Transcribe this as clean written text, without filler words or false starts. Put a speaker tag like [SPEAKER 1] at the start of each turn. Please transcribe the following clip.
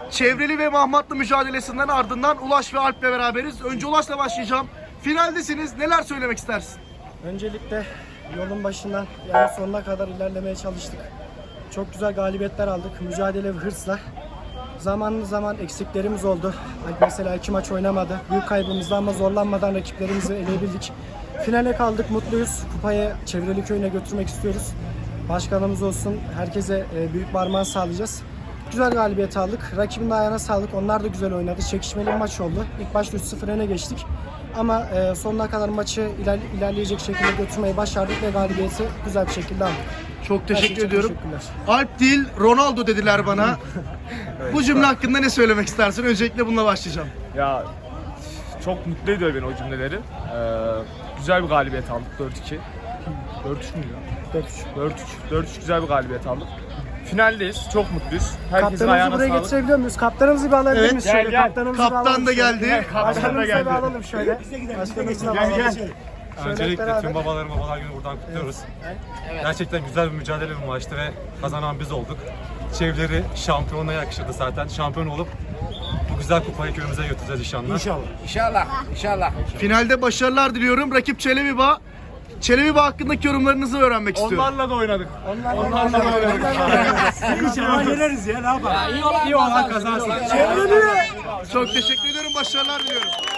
[SPEAKER 1] Çevreli ve Mahmatlı mücadelesinden ardından Ulaş ve Alp'le beraberiz. Önce Ulaş'la başlayacağım. Finaldesiniz. Neler söylemek istersin?
[SPEAKER 2] Öncelikle yolun başından yani sonuna kadar ilerlemeye çalıştık. Çok güzel galibiyetler aldık. Mücadele ve hırsla. Zaman eksiklerimiz oldu. Mesela 2 maç oynamadı. Büyük kaybımızda ama zorlanmadan rakiplerimizi eleyebildik. Finale kaldık, mutluyuz. Kupayı Çevreli Köyü'ne götürmek istiyoruz. Başkanımız olsun, herkese büyük parmağı sağlayacağız. Güzel galibiyet aldık. Rakibin de ayağına sağlık. Onlar da güzel oynadı. Çekişmeli bir maç oldu. İlk başta 3-0 öne geçtik. Ama sonuna kadar maçı ilerleyecek şekilde götürmeyi başardık ve galibiyeti güzel bir şekilde aldık.
[SPEAKER 1] Çok teşekkür ediyorum. Alp değil, Ronaldo dediler bana. Bu cümle hakkında ne söylemek istersin? Öncelikle bununla başlayacağım.
[SPEAKER 3] Ya çok mutlu ediyor beni o cümleleri. Güzel bir galibiyet aldık 4-2. 4-3 müydü? 4-3 güzel bir galibiyet aldık. Finaldeyiz. Çok mutluyuz. Herkesin
[SPEAKER 2] Kaptanımızı
[SPEAKER 3] ayağına
[SPEAKER 2] buraya
[SPEAKER 3] sağlık.
[SPEAKER 2] getirebiliyor muyuz? Kaptanımızı bir alabilir
[SPEAKER 1] Evet.
[SPEAKER 2] miyiz?
[SPEAKER 3] Gel,
[SPEAKER 2] Şöyle,
[SPEAKER 3] gel.
[SPEAKER 2] kaptanımızı bir
[SPEAKER 1] Kaptan
[SPEAKER 2] alalım
[SPEAKER 1] da
[SPEAKER 2] şöyle.
[SPEAKER 1] geldi.
[SPEAKER 2] Başkanımızı da bir alalım şöyle. Başkanımızı da alalım.
[SPEAKER 4] Öncelikle
[SPEAKER 2] beraber.
[SPEAKER 4] tüm babalar günü buradan kutluyoruz. Gerçekten güzel bir mücadele bir maçtı ve kazanan biz olduk. Çevreleri şampiyona yakışırdı zaten. Şampiyon olup bu güzel kupayı köyümüze götüreceğiz inşallah.
[SPEAKER 5] İnşallah.
[SPEAKER 1] Finalde başarılar diliyorum. Rakip Çelebi-Bağ. Çelebi-Bağ hakkındaki yorumlarınızı öğrenmek istiyorum.
[SPEAKER 3] Onlarla da oynadık.
[SPEAKER 2] Onlarla da oynadık.
[SPEAKER 5] İnşallah yeneriz ya, ne yapalım? İyi olan kazansın.
[SPEAKER 1] Çok teşekkür ediyorum. Başarılar diliyorum.